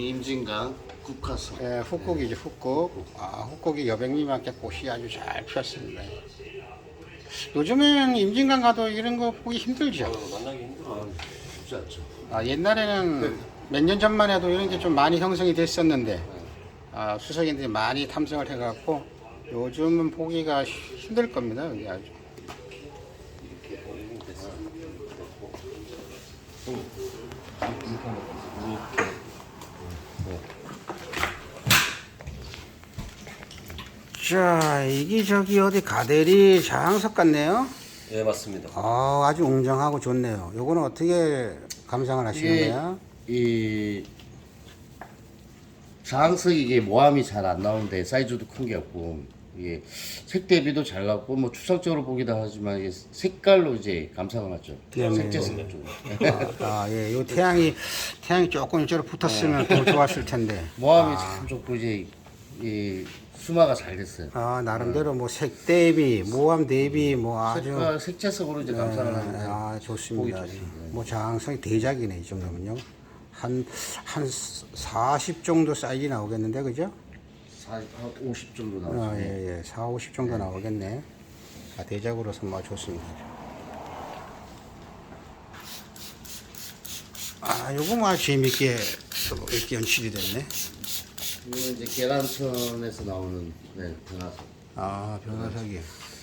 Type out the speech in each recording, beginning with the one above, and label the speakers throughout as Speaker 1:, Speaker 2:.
Speaker 1: 임진강 국화석.
Speaker 2: 예, 훅곡이죠, 훅곡. 훅곡이 여백님한테 꽃이 아주 잘 피었습니다. 요즘엔 임진강 가도 이런 거 보기 힘들죠.
Speaker 3: 만나기 힘들어요.
Speaker 1: 쉽지 않죠.
Speaker 2: 옛날에는 몇 년 전만 해도 이런 게 좀 많이 형성이 됐었는데, 수석인들이 많이 탐색을 해갖고, 요즘은 보기가 힘들 겁니다, 여기 아주. 자, 이게 저기 어디 가대리 장석 같네요.
Speaker 3: 예, 맞습니다.
Speaker 2: 아주 웅장하고 좋네요. 요거는 어떻게 감상을 하시는
Speaker 1: 이게
Speaker 2: 거예요?
Speaker 1: 이 장석이 이게 모함이 잘 안 나오는데 사이즈도 큰 게 없고 이게 색 대비도 잘 나왔고 뭐 추상적으로 보기도 하지만 이게 색깔로 이제 감상을 하죠. 색재성 쪽.
Speaker 2: 예, 요 태양이 조금 이쪽으로 붙었으면 더 좋았을 텐데.
Speaker 1: 모함이 참 좋고 이제 이 수마가 잘 됐어요.
Speaker 2: 나름대로 뭐 색 대비, 모함 대비 뭐 아주
Speaker 1: 색깔 색채석으로 이제 감상을 하는데
Speaker 2: 좋습니다.
Speaker 1: 보기 좋습니다.
Speaker 2: 뭐 장성이 대작이네, 이 정도면요. 한 40 정도 사이즈 나오겠는데, 그죠?
Speaker 1: 50 정도 나오죠.
Speaker 2: 예, 4, 50 정도 나오겠네. 대작으로서 뭐 좋습니다. 요거 뭐 아주 재밌게 또 이렇게 연출이 됐네.
Speaker 1: 이거는 이제 계란천에서 나오는 변화석.
Speaker 2: 변화석이.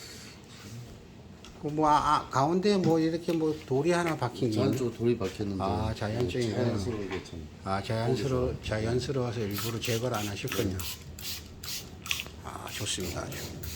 Speaker 2: 가운데 뭐 이렇게 뭐 돌이 하나 박힌 게.
Speaker 1: 전쪽으로 돌이 박혔는데.
Speaker 2: 자연적인
Speaker 1: 자연스러우게 참.
Speaker 2: 자연스러워서 일부러 제거를 안 하셨군요. 좋습니다. 아주.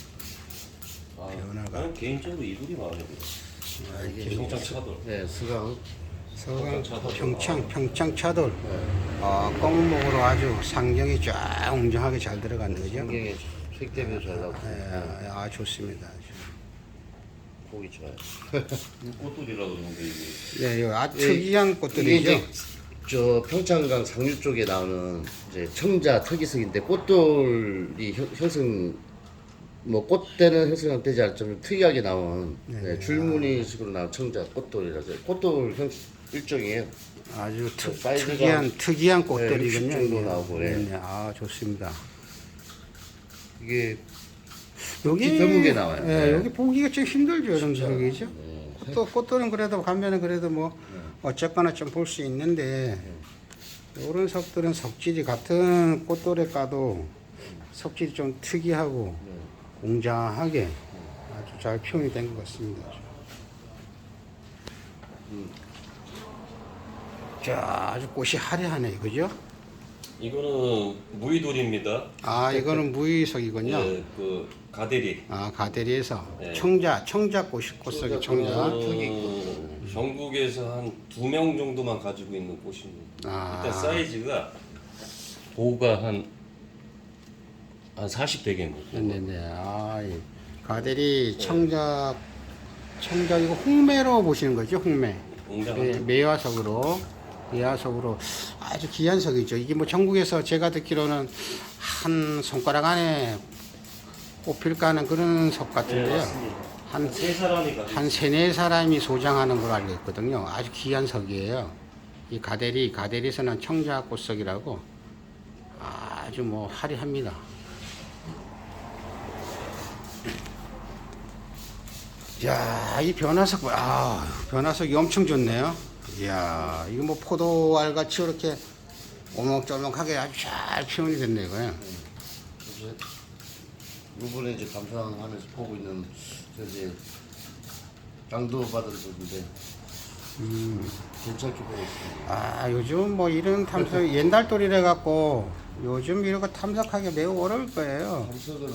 Speaker 2: 변화가.
Speaker 3: 저는 개인적으로 이불이 마음에 들어요.
Speaker 1: 이게
Speaker 3: 평창 차돌.
Speaker 1: 네, 수강.
Speaker 2: 서강 평창 차돌. 검은목으로 아주 상경이 쫙 웅장하게 잘 들어갔는 거죠.
Speaker 1: 풍경에 색 대비도 잘 나오고.
Speaker 2: 좋습니다.
Speaker 1: 보기 좋아요.
Speaker 3: 꽃돌이라 그러는데 이게.
Speaker 2: 네, 이거 아주 특이한
Speaker 1: 이게
Speaker 2: 꽃들이죠.
Speaker 1: 이제 저 평창강 상류 쪽에 나오는 이제 청자 특이석인데 꽃돌이 형성 뭐 꽃대는 형성되지 않을 좀 특이하게 나온 줄무늬식으로 나온 청자 꽃돌이라서 꽃돌 형 일종이에요.
Speaker 2: 아주
Speaker 1: 사이즈가
Speaker 2: 특이한 꽃들이군요.
Speaker 1: 60 정도
Speaker 2: 이게.
Speaker 1: 나오고, 예.
Speaker 2: 네, 좋습니다.
Speaker 1: 이게
Speaker 2: 여기
Speaker 1: 드물게 나와요.
Speaker 2: 예,
Speaker 1: 네.
Speaker 2: 여기 보기가 좀 힘들죠, 이런 지역이죠. 꽃들은 그래도 가면은 그래도 뭐 어쨌거나 좀 볼 수 있는데 이런 석들은 석질이 같은 꽃돌에 까도 석질이 좀 특이하고 웅장하게 아주 잘 표현이 된 것 같습니다. 자, 아주 꽃이 화려하네, 그죠?
Speaker 3: 이거는 무의돌입니다.
Speaker 2: 이거는 무의석이군요.
Speaker 3: 예, 그 가대리.
Speaker 2: 가대리에서
Speaker 3: 네.
Speaker 2: 청자 꽃석이 청자.
Speaker 3: 전국에서 한 2명 정도만 가지고 있는 꽃입니다. 일단 사이즈가 보호가 한 40대겠네요.
Speaker 2: 네네. 이 가대리 청자 이거 홍매로 보시는 거죠, 홍매.
Speaker 3: 웅장한
Speaker 2: 매화석으로 아주 귀한 석이죠. 이게 뭐 전국에서 제가 듣기로는 한 손가락 안에 꼽힐까 하는 그런 석 같은데요. 한
Speaker 3: 세 사람이 가지고
Speaker 2: 한 세네 사람이 소장하는 걸로 알고 있거든요. 아주 귀한 석이에요. 이 가대리에서는 청자꽃석이라고 아주 뭐 화려합니다. 야, 이 변화석이 엄청 좋네요. 이야, 이거 뭐 포도알 같이 이렇게 오목조목하게 아주 잘 표현이 됐네요, 이거요.
Speaker 1: 이번에 이제 감상하면서 보고 있는 이제 강도 받은 분인데 괜찮게 보고 있습니다.
Speaker 2: 요즘 뭐 이런 탐석 옛날 돌이래 갖고 요즘 이런 거 탐색하기 매우 어려울 거예요.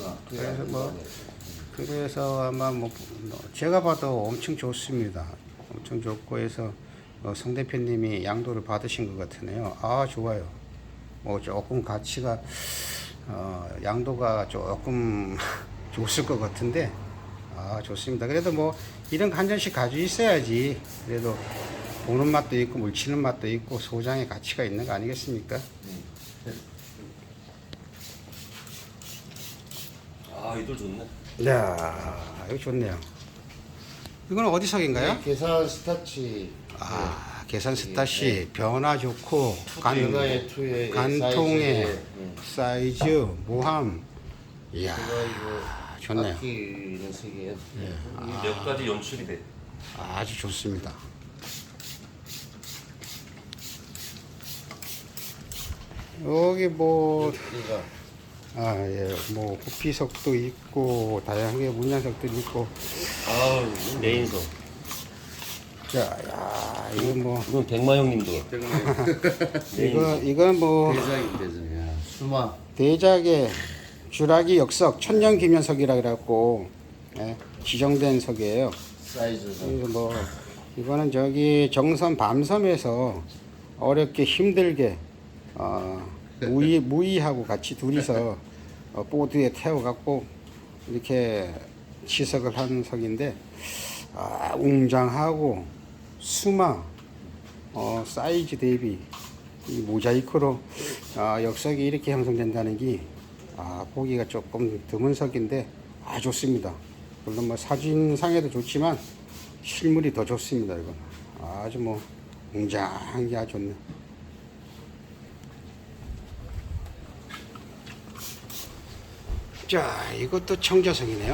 Speaker 2: 그래서 아마 뭐 제가 봐도 엄청 좋습니다. 엄청 좋고 해서 성 대표님이 양도를 받으신 것 같으네요. 좋아요. 뭐 조금 가치가 양도가 조금 좋을 것 같은데 좋습니다. 그래도 뭐 이런 거 한 잔씩 가지고 있어야지. 그래도 보는 맛도 있고 물치는 맛도 있고 소장의 가치가 있는 거 아니겠습니까?
Speaker 3: 이돌 좋네.
Speaker 2: 이거 좋네요. 이건 어디 석인가요?
Speaker 1: 계산 스타치.
Speaker 2: 계산 스탓이 변화 좋고
Speaker 1: 변화의 투의
Speaker 2: 간통의 사이즈, 모함. 이야, 좋네요.
Speaker 1: 아끼는 색이에요.
Speaker 3: 몇 가지 연출이 돼.
Speaker 2: 아주 좋습니다. 여기 뭐
Speaker 1: 얘가
Speaker 2: 뭐 호피석도 있고 다양하게 문양석들이 있고.
Speaker 1: 아우
Speaker 3: 메인석.
Speaker 2: 자, 야, 이거 뭐
Speaker 3: 이건 백마 형님도.
Speaker 2: 이건 뭐
Speaker 1: 대장이 대장이야. 수마.
Speaker 2: 대작의 주라기 역석 천년 기면석이라 그래갖고 지정된 석이에요.
Speaker 1: 사이즈가.
Speaker 2: 그래서 뭐 이거는 저기 정선 밤섬에서 어렵게 힘들게 무이하고 같이 둘이서 보드에 태워갖고 이렇게 치석을 한 석인데 웅장하고 수마 사이즈 대비 이 모자이크로 역석이 이렇게 형성된다는 게 보기가 조금 드문 석인데 좋습니다. 물론 뭐 사진상에도 좋지만 실물이 더 좋습니다. 이건 아주 뭐 웅장한 게 아주 좋네. 자, 이것도 청자석이네요.